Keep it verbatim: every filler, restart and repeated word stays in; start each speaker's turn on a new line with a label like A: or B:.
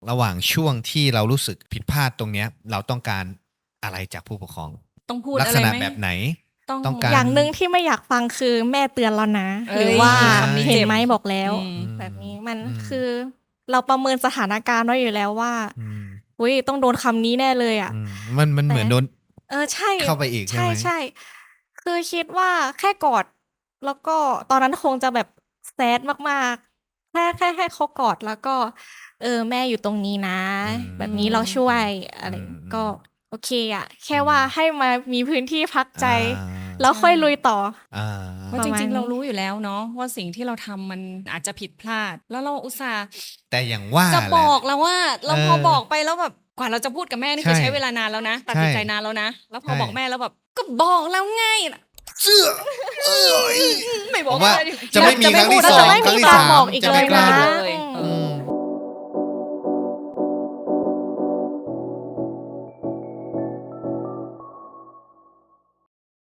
A: ระหว่างช่วงที่เรารู้สึกผิดพลาดตรงเนี้ย เราต้องการอะไรจากผู้ปกครอง
B: ต้องพูด
A: ลั
B: อะ
A: ษ
B: ไร
A: ณะ
B: ไหม?
A: แบบไหน
B: ต้อง
A: ต้องกา
C: อย่า
A: ร
C: งหนึ่งที่ไม่อยากฟังคือแม่เตือนแล้วนะ
B: เอ๊ย
C: หรือว่า
B: คำนี้
C: เห็
B: เจ็
C: น
B: บ
C: ไหมบอกแล้ว
B: อืม
C: แบบนี้มัน
A: อืม
C: คือเราประเมินสถานการณ์ไว้อยู่แล้วว่า
A: อืม
C: อุ๊ย ต้องโดนคำนี้แน่เลยอะ
A: อืม มัน มัน
C: แต่
A: เหมือนโดน
C: เออ ใช่
A: เข้าไปอีกใช่ไหม?
C: ใช่ ๆ คือคิดว่าแค่กอด แล้วก็ตอนนั้นคงจะแบบ sad มาก ๆ แค่ แค่ให้เขากอด แล้วก็ เออ แม่อยู่ตรงนี้นะ
A: อืม
C: แบบนี้เราช่วย อะ
A: อื
C: ไร
A: ม
C: ก็
A: ๆ
C: โอเคอะ แค่
A: อืม
C: ว่าให้มามีพื้นที่พักใจ
A: อา
C: แล้วค่อยลุยต่อ
A: อา
B: เพราะ
C: ป
B: จริง ๆ
C: ระมาณน
B: เรา
C: ี้
B: รู้อยู่แล้วเนาะว่า สิ่งที่เราทำมันอาจจะผิดพลาด แล้วเราอุตส่าห์
A: แต่อย่างว่า
B: จะบ
A: แหละ
B: อกแล้วว่า แล้วพอ
A: เออ
B: บอกไปแล้วแบบ กว่าเราจะพูดกับแม่นี่
A: ใช่
B: คือใช้เวลานานแล้วนะ ตัด
A: ใช่
B: สินใจนานแล้วนะ แล้วพ
A: ใช
B: อ่บอกแม่แล้วแบบ "ก็บอกแล้วไง" น่ะ
A: เสื้อ เอ๊ย
B: ไม่บ
A: ผ
B: อก
A: มว่า
B: เลย
A: จะไม่มี
B: จะ
A: ครั้งที่
B: พูด
A: สอง
B: จะไม่
A: ครั้ง
B: มี
A: ที่
B: กา
A: สาร ม
B: บอกอีก
A: จะ
B: เล
A: ไม่
B: ย
A: กล้า
B: นะ
C: อื
B: เอ
A: อื
B: อ
A: ม